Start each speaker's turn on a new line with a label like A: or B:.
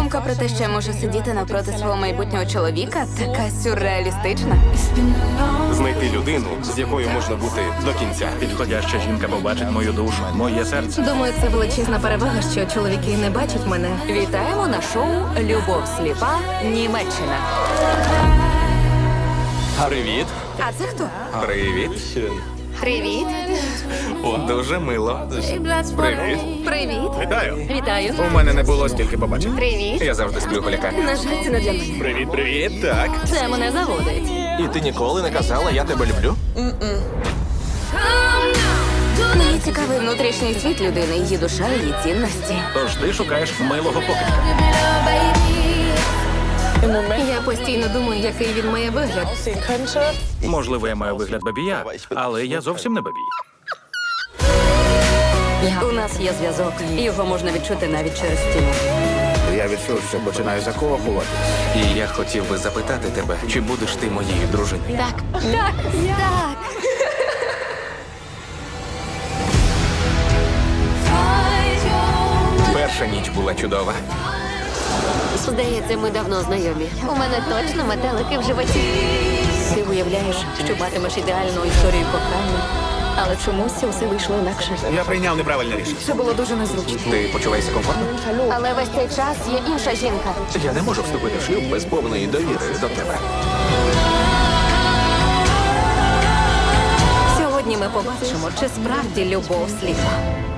A: Думка про те, що я можу сидіти навпроти свого майбутнього чоловіка, така сюрреалістична.
B: Знайти людину, з якою можна бути до кінця.
C: Підходяща жінка побачить мою душу, моє серце.
D: Думаю, це величезна перевага, що чоловіки не бачать мене.
A: Вітаємо на шоу «Любов сліпа. Німеччина».
B: Привіт.
A: А це хто?
B: Привіт.
A: Привіт.
B: Дуже мило. Привіт.
A: Привіт.
B: Вітаю.
A: Вітаю.
B: У мене не було стільки побачень.
A: Привіт.
B: Я завжди сплю голяка.
A: На жаль, це не для мене.
B: Привіт, привіт. Так.
A: Це мене заводить.
B: І ти ніколи не казала, я тебе люблю?
A: Мені цікавий внутрішній світ людини, її душа, її цінності.
C: Тож ти шукаєш милого покидька.
D: Я постійно думаю, який він має вигляд.
C: Можливо, я маю вигляд бабія, але я зовсім не бабій.
A: У нас є зв'язок, і його можна відчути навіть через стіну.
E: Я відчув, що починаю закохуватись.
B: І я хотів би запитати тебе, чи будеш ти моєю дружиною?
A: Так. Так. Так.
B: Перша ніч була чудова.
A: Здається, ми давно знайомі. У мене точно метелики в животі. Ти уявляєш, що матимеш ідеальну історію кохання, але чомусь усе вийшло інакше.
E: Я прийняв неправильне рішення.
A: Це було дуже незручно.
B: Ти почуваєшся комфортно?
A: Але весь цей час є інша жінка.
B: Я не можу вступити в шлюб без повної довіри до тебе.
D: Сьогодні ми побачимо, чи справді любов сліпа.